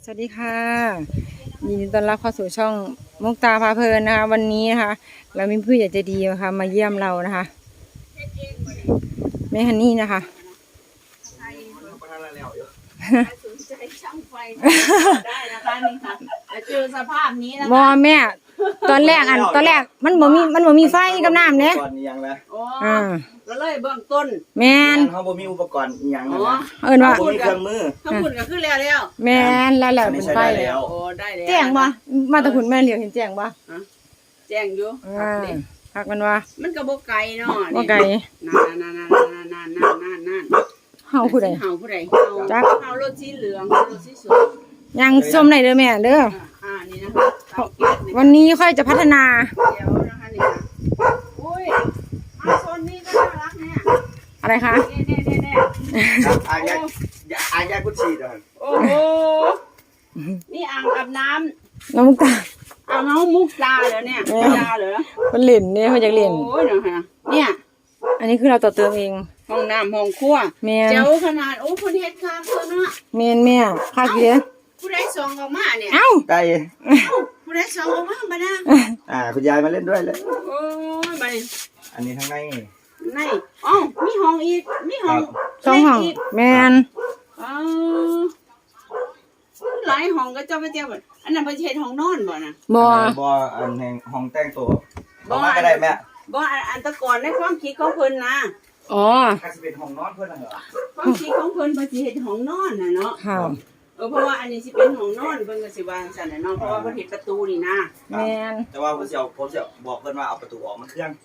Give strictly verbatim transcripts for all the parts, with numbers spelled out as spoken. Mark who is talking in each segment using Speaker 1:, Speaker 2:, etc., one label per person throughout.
Speaker 1: สวัสดีค่ะยินดีต้อนรับเข้าสู่ช่องมุกตาพาเพลินนะคะวันนี้นะคะเรามีผู้ใหญ่ใจดีนะคะมาเยี่ยมเรานะคะแม่ฮันนี่นะคะ
Speaker 2: สนใจช่างไฟได้นะคะนี่ค่ะแต่เจอสภาพนี้นะคะ
Speaker 1: บอแม่ตอนแรกอันตอนแรกมันบ่มีมันบ่มีไฟกับน้ำเนี่ย
Speaker 3: ก่อนอีหยังนะ
Speaker 2: อ๋อ
Speaker 1: อ่า
Speaker 2: ก็เลยเบื้องต้น
Speaker 1: แม่น
Speaker 3: เขาบ่มีอุปกรณ์อีหยัง
Speaker 2: อ๋
Speaker 3: นะ
Speaker 2: อ
Speaker 3: นะ
Speaker 1: เอิ้นว่า
Speaker 3: บ่มีเครื่องมือ
Speaker 2: ข้างบนก็ขึ้นแล้วแล้ว
Speaker 1: แม่นแล้วแหละเป็นไฟ
Speaker 3: อันนี้ใช้ได้แล้
Speaker 1: แล้ว
Speaker 3: ว
Speaker 2: โอ้ได้แล้ว
Speaker 1: แจ้งบ่มาแตะคุณแม่เหลียวเห็นแจ้งบ่
Speaker 2: แจ้งอยู่
Speaker 1: อ่าพักมันว่า
Speaker 2: มันก็บ่ไกลเนาะ
Speaker 1: บ่ไกล
Speaker 2: นานนานนานนานนานนานนาน
Speaker 1: เฮาผู้ใด
Speaker 2: เฮาผู้ใด
Speaker 1: จัก
Speaker 2: เฮารถสีเหลืองรถสีสวย
Speaker 1: ยังส้มได้เด้อแม่เด้อ
Speaker 2: อ่านี่นะคะเอาเก็บนี่
Speaker 1: วันนี้ค่อยจะพัฒนา
Speaker 2: เดี๋ยวนะคะนี่ค่ะอุ้ยมาโซนนี้ก็น่ารักเนี่ย
Speaker 1: อะไรคะ
Speaker 2: เน่เน่เน่เน่
Speaker 3: อายาอายากุชีดอน
Speaker 2: โอ้โห นี่อ่างอาบน้ำ
Speaker 1: น้องมุกตา
Speaker 2: เอาน้องมุกตาเหรอเนี่ย
Speaker 1: แม่
Speaker 2: ตาเหรอ
Speaker 1: มันเล่นเนี่ยเขาอยากเล่น
Speaker 2: โอ้ยเนาะฮะเนี่ย
Speaker 1: อันนี้คือเราต่อเติมเอง
Speaker 2: ห้องน้ำห้องครัว
Speaker 1: แม่น
Speaker 2: เจ้าขนาดโอ้คุณเฮ็ดข้างเพิ่นเนาะ
Speaker 1: แม่นแม่ค่ากี่เด้อ
Speaker 2: ผู้ใดส่องออกมาเนี่ย
Speaker 1: เอ้า
Speaker 3: ได้
Speaker 2: ผู้ใดส่องออกมาบ่นะ
Speaker 3: อ่าคุณยายมาเล่นด้วยเลย
Speaker 2: โอ้ยบัดนี้
Speaker 3: อันนี้ทั้งใน
Speaker 2: ในอ้าวมีห้องอีกมีห้อง
Speaker 1: สองห้อง
Speaker 2: เล็กก
Speaker 1: แม่น
Speaker 2: อ๋อหลายห้องก็เจ้าไปเจ้าบ่อันนั้นเพิ่นสิเฮ็ดห้องนอนบ่น่ะ
Speaker 1: บ่
Speaker 3: บ่อันแห่งห้องแต่งตัว
Speaker 2: บ่
Speaker 3: บ่มาก็ได้แม่
Speaker 2: บ่อันอันแตะก่อนในความคิดของเพิ่นนะ
Speaker 1: อ๋อ
Speaker 3: ก็สิเป็นห้องนอนเพิ่นน่ะเหรอ
Speaker 2: ความคิดของเพิ่นเพิ่นสิเฮ็ดห้องนอนน่ะเนาะ
Speaker 1: ค่ะ
Speaker 2: เออเพราะว่าอันนี้สิเป็นห้องนอนเพิ่นก็สิวางซั่นน่ะเนาะเพราะว่าเพิ่นเฮ็ดประตูนี่นะ
Speaker 1: แม่น
Speaker 3: แต่ว่าผมสิเอาผมสิบอกเพิ่นว่าเอาประตูออกมันเครื่อง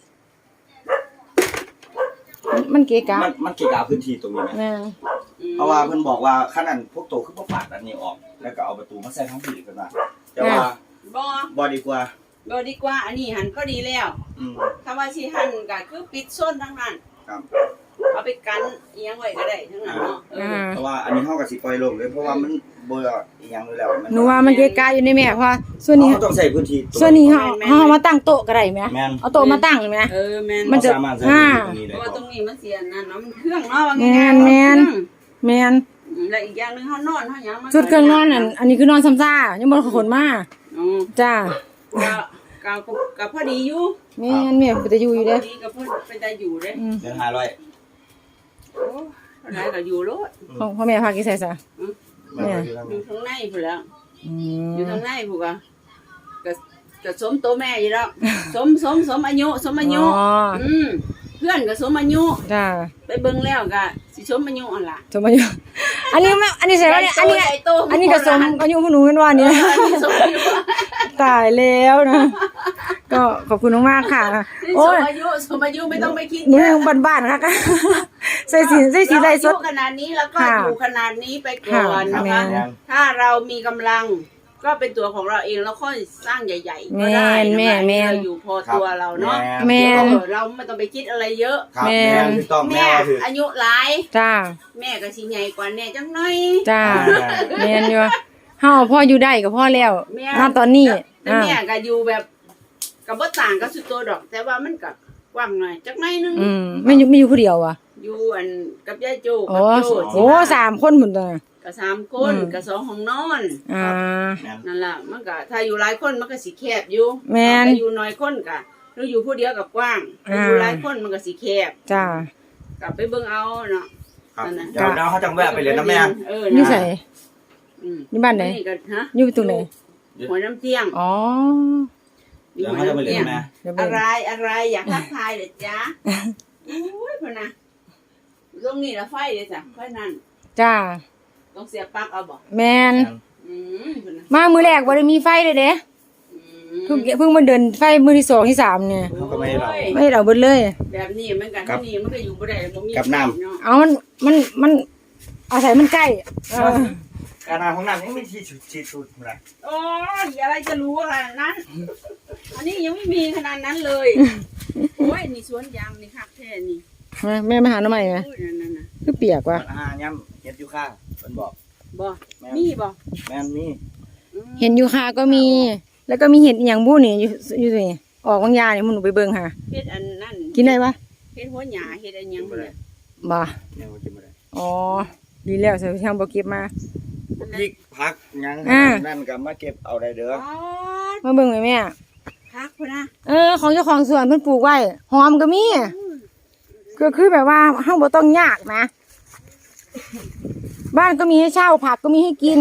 Speaker 1: มันเกะกะ
Speaker 3: มันมันเกี่ยวกับพื้นที่ตรงนี้ไหม
Speaker 1: แม่น
Speaker 2: อืม
Speaker 3: เพราะว่าเพิ่นบอกว่าขนาดพวกโตคือบ่ปาดอันนี้ออก แล้วก็เอาประตูมาใส่ทั้งที่เพิ่นว่าแต่ว่า
Speaker 2: บ่
Speaker 3: บ่ดีกว่า
Speaker 2: บ่ดีกว่าอันนี้หันก็ดีแล้ว
Speaker 3: อืม
Speaker 2: ถ้าว่าสิหันก็คือปิดโซนทั้งนั้น
Speaker 3: ครับ
Speaker 2: เอาไปกันอีหยังไว้ก็ได้ทั้งนั้นเนาะเอ
Speaker 1: อ่า
Speaker 2: อ
Speaker 3: เพราะว่าอันนี้เฮาก็สิปล่อยโลงเลยเพราะว่ามันบ่อีหยังอยู่แล้ว
Speaker 1: หนูว่ามันเกะกะอยู่ในแม่เพราะว่าส่วนนี้
Speaker 3: เฮาต้องใช้พื้นที่ตรง
Speaker 1: ส่วนนี้เฮาเฮาเอามาตั้งโต๊ะก็ได้แม่
Speaker 3: แม่น
Speaker 1: เอาโต๊ะมาตั้งแม่
Speaker 2: เออแม่น
Speaker 1: มันจะ
Speaker 3: เราสามารถใช้พื้นที่ตรงนี้
Speaker 2: เพ
Speaker 3: ได้
Speaker 2: ราะว่า
Speaker 3: ค
Speaker 2: ต
Speaker 3: รั
Speaker 2: ร
Speaker 3: บ
Speaker 2: งนี้มันเสียนั่นเนาะมันเครื่องเนาะว่า
Speaker 1: แม่
Speaker 2: ง่าย
Speaker 1: น
Speaker 2: ๆ
Speaker 1: แม่น
Speaker 2: เครื่อง
Speaker 1: แม่น
Speaker 2: อืมแล้วอีกอย่างหนึงเฮานอนเฮาหยังมัน
Speaker 1: ชุดเครื่องนอนอันอันนี้คือนอนซ้ำซ่ายังบ่ได้ขนมา
Speaker 2: อ๋อ
Speaker 1: จ้า
Speaker 2: ก็ก็ก็พอดีอยู่
Speaker 1: แม่นแม่ก็จะอยู่อยู่
Speaker 2: พ
Speaker 1: เด้
Speaker 2: อ
Speaker 1: อ
Speaker 2: ดีก็เพิ่นเป็นตาอยู่เด้
Speaker 1: อืม
Speaker 3: เดือนห้าร้อย
Speaker 2: โอ้เท่าไหร่ก็อยู่โลด
Speaker 1: ของพ่อแม่พากี่ใส่ซะ
Speaker 3: แม่นอยู่ทาง
Speaker 2: อยู่
Speaker 3: นี้
Speaker 2: ข้างในพุ่นแล้ว
Speaker 1: อื
Speaker 2: อยู่
Speaker 1: ม
Speaker 2: ทางในพุ่นก็ก็ก็สมตัวแม่อยู่แล้ว สมสมสมอายุสมอายุ
Speaker 1: อ๋อ
Speaker 2: อืมเพื่อนก็สมอายุ
Speaker 1: จ้า
Speaker 2: ไปเบิ่งแล้วก็สิสมอายุอันล่ะ
Speaker 1: สมอายุอันนี้ไม่อันนี้ใส่ว่าเนี่ยอันนี้
Speaker 2: ใหญ่โต
Speaker 1: อันนี้ก็สมอายุพวกหนูเป็นว่าเนี่ย
Speaker 2: อันนี้สมอายุ
Speaker 1: ตายแล้วนะ ก็ขอบคุณมากๆค่ะ
Speaker 2: นี่
Speaker 1: โอ้
Speaker 2: ส
Speaker 1: ย
Speaker 2: มอายุสมอายุไม่ต้องไปคิด
Speaker 1: นี่
Speaker 2: เยอะ
Speaker 1: ยังบ้านๆค่ะ ใส่สีใส่สีไรสด
Speaker 2: เราอายุขนาดนี้แล้วก็
Speaker 1: ค่ะ
Speaker 2: อยู่ขนาดนี้ไปก่อน
Speaker 1: ค่ะ
Speaker 2: นะคะ
Speaker 1: แม่
Speaker 2: ถ้าเรามีกำลังก็เป็นตัวของเราเองแล้วค่อยสร้างใหญ่ๆก็ได้
Speaker 1: แม่
Speaker 2: นะคะ
Speaker 1: แม่
Speaker 2: เราอยู่พอตัวเราเนาะ
Speaker 1: แม่
Speaker 2: เออเราไม่ต้องไปคิดอะไรเยอะ
Speaker 3: ครับ
Speaker 1: แม่
Speaker 3: แม่ถูกต้องแม่
Speaker 2: แม่
Speaker 3: ว่าถูก
Speaker 2: อายุหลาย
Speaker 1: จ้า
Speaker 2: แม่ก็สิใหญ่กว่าแน่จังหน่อย
Speaker 1: จ้า
Speaker 3: อ่า
Speaker 1: แม่นอยู่เฮาพ่ออยู่ได้กับพ่อแล้ว
Speaker 2: แม่
Speaker 1: ณตอนนี้
Speaker 2: แต่
Speaker 1: อ่า
Speaker 2: แม่ก็อยู่แบบกับบ่ต่างกับสุดตัวดอก แต่ว่ามันก็กว้างหน่อยจักหน่อยนึง
Speaker 1: อืมไม่อยู่ไม่อยู่ผู้เดียวอ่ะ
Speaker 2: อยู่อันกับยายโจ
Speaker 1: โอ้
Speaker 2: กับโจ
Speaker 1: โหสามคนหมดเลย
Speaker 2: ก็สามคน
Speaker 1: อืม
Speaker 2: ก็สองห้องนอน
Speaker 1: อ่า
Speaker 3: แม่น
Speaker 2: นั่นล่ะมันก็ถ้าอยู่หลายคนมันก็สิแคบอยู่
Speaker 1: แม่น
Speaker 2: ถ้าอยู่น้อยคนก็หรืออยู่ผู้เดียวกับกว้างถ้าอยู่
Speaker 1: อ่า
Speaker 2: หลายคนมันก็สิแคบ
Speaker 1: จ้า
Speaker 2: กลับไปเบิ่งเอาเนาะ
Speaker 3: ครับ
Speaker 2: นั่นน่ะ
Speaker 3: เดี๋ยวเดี๋ยวเขาจังแวะไปเลยนะแม่
Speaker 2: เออ
Speaker 1: อยู่
Speaker 2: นะ
Speaker 1: ใส่
Speaker 2: อืม
Speaker 1: อยู่บ้านไหน
Speaker 2: นี่ก็ฮะ
Speaker 1: อยู่ตรงไหน
Speaker 2: หัวน้ำเที่ยง
Speaker 1: อ๋อ
Speaker 2: อยู่
Speaker 3: เดี๋ยว
Speaker 2: หัว
Speaker 3: เขาจะไป
Speaker 2: น้ำ
Speaker 3: เลย
Speaker 2: เที่ยง
Speaker 3: นะแม่
Speaker 1: เดี๋ยวไป
Speaker 2: อะไรอะไรอยากทักทายเลยจ้าอุ้ยพ่อนะตรงนี้ละไฟเลยจ้ะไฟนั่น
Speaker 1: จ้า
Speaker 2: ต้องเสียบปลั๊กเอาบ่
Speaker 1: แมน
Speaker 2: อืมพ่อนะ
Speaker 1: มามือแรกบ่ได้มีไฟเลยเด้
Speaker 2: อื
Speaker 1: เพิ่ง
Speaker 2: ม
Speaker 1: เพิ่งมาเดินไฟมือที่สองที่สามเนี่ย
Speaker 3: เขาก็ไม่ให้เรา
Speaker 2: โอ้ย
Speaker 1: ไม่ได้เอาเบิดเลย
Speaker 2: แบบนี้มันกัน
Speaker 3: ครับ
Speaker 2: ที่นี่มันก็อยู่บ่ได้บ่มี
Speaker 3: กับน้ำ
Speaker 2: เาะ
Speaker 1: เอามันมันมันอาศัยมันใกล้เออ
Speaker 3: การทำของน้ำยังไม่ที่สุดที่สุดเลย
Speaker 2: โอ้ยอะไรจะรู้ขนาดนั้น อันนี้ยังไม่มีขนาดนั้นเลย โอ้ยนี่สวนยางนี่คักแท้นี่
Speaker 1: มาแม่มาหาหน่อใหม่ไหม
Speaker 2: อุ้ยนั่นๆน่ะ
Speaker 1: คือเปียกว่ะ
Speaker 3: มันอาหารย่ำเฮ็ดอยู่ข้างเพิ่นบอก
Speaker 2: บ่
Speaker 3: แม่น
Speaker 2: มีบ่
Speaker 3: แม่นมี
Speaker 2: อืม
Speaker 1: เห็นอยู่ค่ะก็มี แล้วก็มีเห็ดอหย่างบู้นี่อยู่อยู่นี่ออกบางยาเนี่ยมันหนูไปเบิ่งค่ะ
Speaker 2: เฮ็ดอันนั้น
Speaker 1: กินได้ปะ
Speaker 2: เฮ็ดหัวหญ้าเฮ็ดอันหยังเนี่ย
Speaker 1: บ่
Speaker 3: แม่ว่ากินบ่ได้
Speaker 1: อ๋อดีแล้วใส่ทางบ่เก็บมา
Speaker 2: นั่น
Speaker 3: พริกผักหยัง
Speaker 1: อ่า
Speaker 3: นั่นก็มาเก็บเอาได้เด้อ
Speaker 2: อ๋อ
Speaker 1: มาเบิ่งไหมแม่
Speaker 2: พักพุ่นนะ
Speaker 1: เออของเจ้าของสวนเพิ่นปลูกไว้หอมก็มีก็คือแบบว่าเฮาบ่ต้องยากนะ บ้านก็มีให้เช่าผักก็มีให้กิน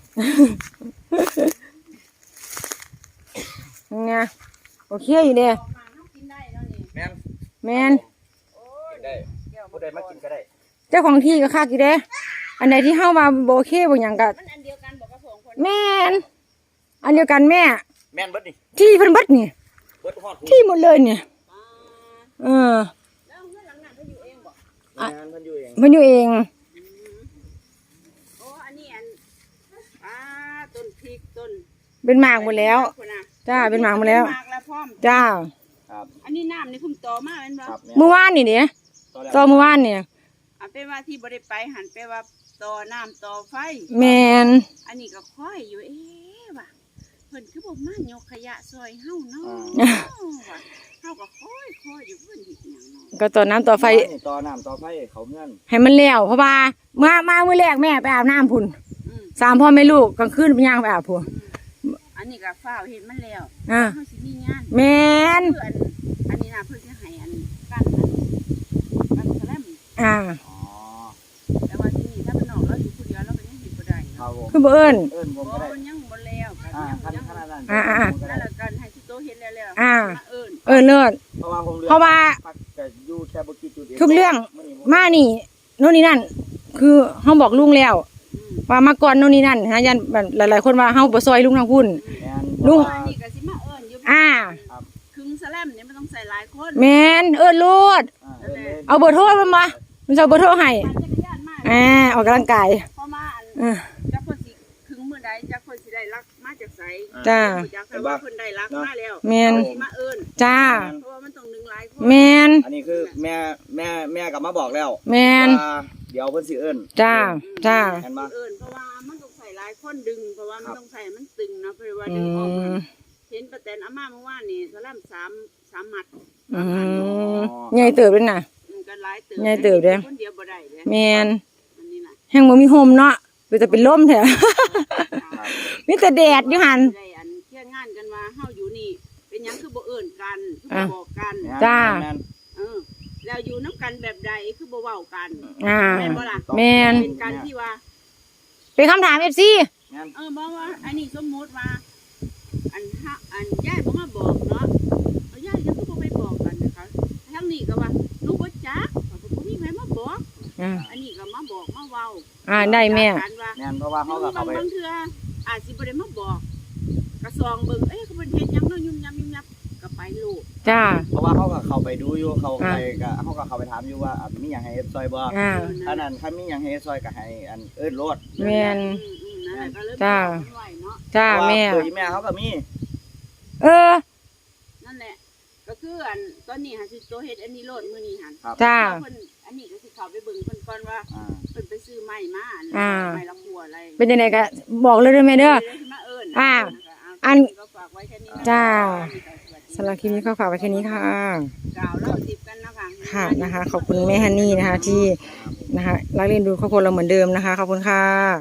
Speaker 1: ไงโอเคอยู่เด้
Speaker 2: ออกมาเฮากินได้แล้วนี่
Speaker 3: แม่น
Speaker 1: แม่น
Speaker 3: กินได้ผู้ใดมากินก็ได้
Speaker 1: เจ้าของที่ก็คักอยู่เด้ อันใดที่เฮาว่าบ่โอเคบ่หยังก็
Speaker 2: มันอันเดียวกันบอกกับสองคน
Speaker 1: แม่นอันเดียวกันแม่
Speaker 3: แม่นเบิดนี่
Speaker 1: ที่เพิ่นเบิดนี่
Speaker 3: เบิดฮอดหู
Speaker 1: ที่หมดเลยเนี่ย
Speaker 2: อ่า
Speaker 1: เออ
Speaker 2: แล้วเพื่อนหลังนั้นเขาอยู่เองบอก
Speaker 3: แม่นเพิ่นอยู่เอง
Speaker 1: เพิ่นอยู่เอง
Speaker 2: โอ้อันนี้อันอ่าต้นพริกต้น
Speaker 1: เป็นหมากหมดแล้ว
Speaker 2: พุ่นน่ะ
Speaker 1: จ้าเป็นหมากหมดแล้ว
Speaker 2: เป็นหมากแล้วพร้อม
Speaker 1: จ้า
Speaker 3: ครับ
Speaker 2: อันนี้น้ำนี่พุ่มโตมากเป็นบ่
Speaker 3: ครับแม่น
Speaker 1: เมื่อวานนี่เด้
Speaker 3: ตอนแรก
Speaker 1: ตอนเมื่อวานเนี่ย
Speaker 2: อ่ะเป็นว่าที่บ่ได้ไปหันไปว่าต่อน้ำต่อไฟ
Speaker 1: แม่น
Speaker 2: อันนี้ก็ค่อยอยู่เอ๊ะว่ะเพิ่นคือบ่มายกขยะซอยเฮาเนาะว่ะเฮาก็ค่อยค่อยอยู่เพิ่นเฮ็ดหยังเนาะ
Speaker 1: ก็ต่อน้ำต่อไฟ
Speaker 3: นี่ต่อน้ำต่อไฟเขาเงื่อน
Speaker 1: ให้มันแล้วเพราะว่ามามามื้อแรกแม่ไปอาบน้ำพุ่น
Speaker 2: อืม
Speaker 1: สามพ่อแม่ลูกกลางคืนไปย่างไปอาบพุ่น
Speaker 2: อันนี้ก็ฟ้าวเฮ็ดมันแล้ว
Speaker 1: อ่า
Speaker 2: เฮาสิมีงาน
Speaker 1: แม่น
Speaker 2: เพื่อนอันนี้น่ะเพิ่นสิให้อันกันอันกันแสลม
Speaker 1: อ่า
Speaker 3: อ๋อ
Speaker 2: แต่ว่าที่นี่ถ้าเป็นน้องเราอยู่ผู้เดียวเราก็ยังเฮ็ดบ่ได้
Speaker 3: ครับผม
Speaker 1: คือบ่เอิ้น
Speaker 3: เอิ้นผม
Speaker 2: บ่
Speaker 3: ก็ได้
Speaker 2: มันยังบ่แล้วก็
Speaker 3: อ่า
Speaker 2: ยัง
Speaker 3: ขั้น
Speaker 2: ยัง
Speaker 3: ขั้นนั้น
Speaker 1: อ่าอ่า
Speaker 3: ผมก็
Speaker 2: นั่น
Speaker 3: ได้
Speaker 2: แหละกันให้ที่โตเฮ็ดแล้วแล้ว
Speaker 1: อ่า
Speaker 2: มาเอิ้น
Speaker 1: เออเลิศ
Speaker 3: เพราะว่าผมเลือก
Speaker 1: เพราะว่า
Speaker 3: พักแต่อยู่แค่บ่กี่จุดเอง
Speaker 1: ทุกเรื่อง
Speaker 3: มื้นี้
Speaker 1: มานี่โน่นนี่นั่น คือเฮาบอกลุงแล้ว
Speaker 2: อืม
Speaker 1: ว่ามาก่อนโน่นนี่นั่นนะยันแบบหลายๆคนว่าเฮาบ่ซอยลุงทางพุ่น
Speaker 3: แม่น
Speaker 1: ลุง
Speaker 3: เพราะว่า
Speaker 2: อันนี้ก็สิมาเอิ้นอยู่
Speaker 1: อ่า
Speaker 2: ครึ่งแสลมเนี่ยมันต้องใส่หลายคน
Speaker 1: แม่นเอิ้นโลด
Speaker 3: อ่าเอิ้นเลย
Speaker 1: เอาเบอร์โทรมันมามันจะเอาเบอร์โทรให้
Speaker 2: ปั่นจักรยานมา
Speaker 1: อ่าออกกำลังกาย
Speaker 2: พอมาอัน
Speaker 1: เออ
Speaker 2: จักเพิ่นสิครึ่งมื้อใดจักเพิ่นสิได้รักมาจากไส
Speaker 1: จ้า
Speaker 2: จักแต่ว่าเพิ่นได้รักมาแล้ว
Speaker 1: แม่น
Speaker 2: สิมาเอิ้น
Speaker 1: จ้า
Speaker 2: เพราะว่ามันต้องหนึ่งหลายคน
Speaker 1: แม่น
Speaker 3: อันนี้คือแม่แม่แม่กลับมาบอกแล้ว
Speaker 1: แม่น
Speaker 3: ว่าเดี๋ยวเพิ่นสิเอิ้น
Speaker 1: จ้า จ้า
Speaker 3: เห็นบ่
Speaker 2: เอิ้นเพราะว่ามันต้องใส่หลายคนดึงเพราะว่ามันต้องใส่มันตึงเนาะเพราะว่า
Speaker 1: อื
Speaker 2: ดึงออก
Speaker 1: ม
Speaker 2: เห็นป้าแตนอาม่าเมื่อวานนี่สลัมสามสามมัด
Speaker 1: อืมใหญ่เติบเลยน่ะ
Speaker 2: มันก็หลายเติบ
Speaker 1: ใหญ่เติบเด้อ
Speaker 2: คนเดียวบ่ได้เด้
Speaker 1: แม่น
Speaker 2: อันนี้น่ะ
Speaker 1: แห้งบ่มีโฮมเนาะไปแต่เป็นลมแท้ มีแต่แดดอยู่หั่น
Speaker 2: ได้อันเที่ยงงานกันว่าเฮาอยู่นี่ เป็นหยังคือบ่เอิ้นกันคือ
Speaker 1: อ่ะ
Speaker 2: บ่บอกกัน
Speaker 1: จ้า
Speaker 3: แม่น
Speaker 2: เออแล้วอยู่น้ำกันแบบใดคือบ่เว้ากัน
Speaker 1: อ่า
Speaker 2: แม่นบ่ล่ะ
Speaker 1: แม่น
Speaker 2: เป็นการที่ว่า
Speaker 1: เป็นคำถาม เอฟ ซี
Speaker 3: แม่น
Speaker 2: เออบอกว่า อันนี้สมมุติว่า อันฮะอันยายบ่มาบอกเนาะเอายายยังคือบ่ไปบอกกันนะคะทั้งนี้ก็ว่าหนูบ่จักเขาก็บ่มีใครมาบอก
Speaker 1: อ่า
Speaker 2: อันนี้ก็มาบอกมาเว้า
Speaker 1: อ่าได้แม่
Speaker 2: กันว่า
Speaker 3: แม่นเพราะว่าเขาก็เข้าไป
Speaker 2: บางเทื่ออาจสิบ่ได้มาบอกกระซองเบิ่งเอ้ยเขาเป็นเฮ็ดหยังเนาะยุ่มยำยุ่มยำก็ไปลูก
Speaker 1: จ้า
Speaker 3: เพราะว่าเขาก็เข้าไปดูอยู่เขาไปก็เขาก็เข้าไปถามอยู่ว่าอ่ะมีหยังให้เฮ็ดซอยบ่
Speaker 1: อ่า
Speaker 3: ถ้านั้นถ้ามีหยังให้เฮ็ดซอยก็ให้อันเอิ้นโลด
Speaker 1: แม่น
Speaker 2: อืมอืมนั่นแหละก็เลย
Speaker 1: จ้า
Speaker 2: บอกมันไว้เนาะ
Speaker 1: จ้า
Speaker 3: เพระว่
Speaker 1: แม่
Speaker 3: ตัวอีแม่เขาก็มี
Speaker 1: เออ
Speaker 2: นั่นแหละ ก็คืออันตอนนี้หาสิโตเฮ็ดอันนี้โลดมื้อนี้หัน
Speaker 3: ครับ
Speaker 1: จ้า
Speaker 2: เพิ่นอันนี้ก็สิเข้าไปเบิ่งเพิ่นก่อนว่า
Speaker 3: อ่า
Speaker 2: เพิ่นไปซื้อไม้มาอัน
Speaker 1: อ่า
Speaker 2: ไม้ละหัวอะไร
Speaker 1: เป็นยังไงก็บอกเลยเด้อแม่เด้อ
Speaker 2: ดี๋ยวสิมาเอิ้น
Speaker 1: อ่า
Speaker 2: อันก็ฝากไว้แค่นี้นะ
Speaker 1: จ้า
Speaker 2: ส
Speaker 1: สำหรับคลิปนี้ก็ฝากไว้แค่นี้ค่ะ
Speaker 2: กล่าวเล่าสิบกันนะคะ
Speaker 1: ค่ะนะคะ ขอบคุณแม่ฮันนี่นะคะ ที่นะคะรักเลี้ยงดูครอบครัวเราเหมือนเดิมนะคะ ขอบคุณค่ะ